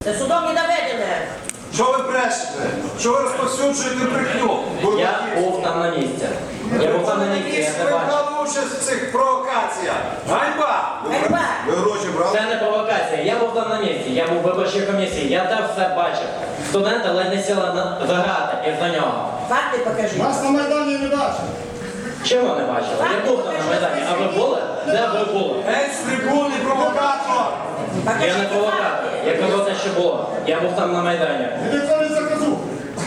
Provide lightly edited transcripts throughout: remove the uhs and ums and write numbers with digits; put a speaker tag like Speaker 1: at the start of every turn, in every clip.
Speaker 1: Це судом не доведене.
Speaker 2: Що ви брешете? Що ви розповсюджуєте брехню?
Speaker 3: Я був там на місці. Я був там на місці, я
Speaker 2: Ви
Speaker 3: не бачив.
Speaker 2: брали участь в цих провокаціях. Ганьба!
Speaker 1: Ганьба!
Speaker 4: Ви гроші брали?
Speaker 3: Це не провокація. Я був там на місці, я був в виборчій комісії, я там все бачив. Студенти ледь не сіли заграти із-за нього.
Speaker 1: Факти покажи.
Speaker 5: Вас на Майдані не бачив.
Speaker 3: Чого не бачили? Я був там на Майдані. А ви були? Де ви були?
Speaker 2: Геть з трибуни, провокатор!
Speaker 3: Я не провокатор. Я казав те, що було. Я був там на Майдані.
Speaker 5: І ніхто не заказу.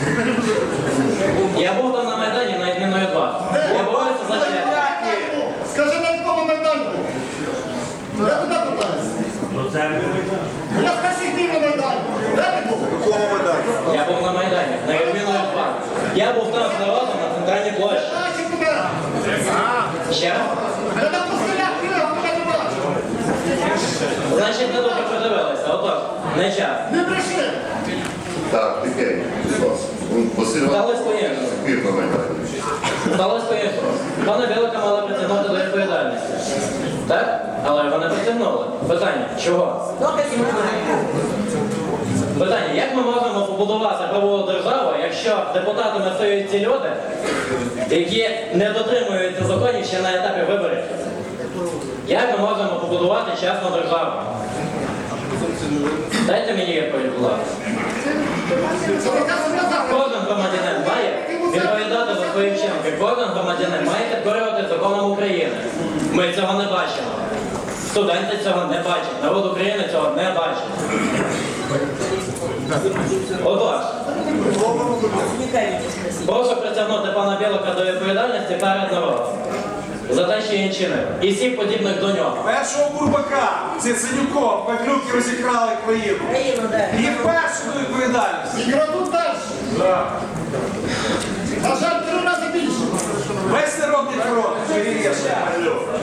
Speaker 3: Я був там на Майдані на відміну від вас. Я борюся за честь.
Speaker 5: Скажи, на якому Майдані був? Я туди питаюся. Я скажи, ти на Майдані. Де ти був?
Speaker 4: В якому Майдані?
Speaker 3: Я був на Майдані, на відміну від вас. Я був там з народом на центральній площі.
Speaker 5: Наші туди.
Speaker 3: Ще раз?
Speaker 5: Я на постелях бігав, туди не бачив.
Speaker 3: Значить, не добре подивилися. Отож, не час.
Speaker 5: Не прийшли.
Speaker 4: Так, тихенько, будь ласка. Василь
Speaker 3: Сталося по-іншому.
Speaker 4: Пір на Майдані.
Speaker 3: Сталося по-іншому. Пана Білика мали притягнути до відповідальності. Так? Але його не притягнули. Питання, чого?
Speaker 1: Доказів немає.
Speaker 3: Питання, як ми можемо побудувати правову державу, якщо депутатами стають ті люди, які не дотримуються законів ще на етапі виборів? Як ми можемо побудувати чесну державу? Дайте мені відповідь, будь ласка. Кожен громадянин має відповідати за свої вчинки. Кожен громадянин має підкорювати законом України. Ми цього не бачимо. Студенти цього не бачать. Народ України цього не бачить. Отож, прошу притягнути пана Білика до відповідальності перед народом за те, що він чинив. І всіх подібних до нього.
Speaker 2: Першого Бурбака, Циценюком, Петлюки розікрали країну.
Speaker 1: Країну, де?
Speaker 2: Їх перші до відповідальності.
Speaker 5: І крадуть далі. На жаль, 3 рази більше.
Speaker 2: Весь народний фронт перевіряє.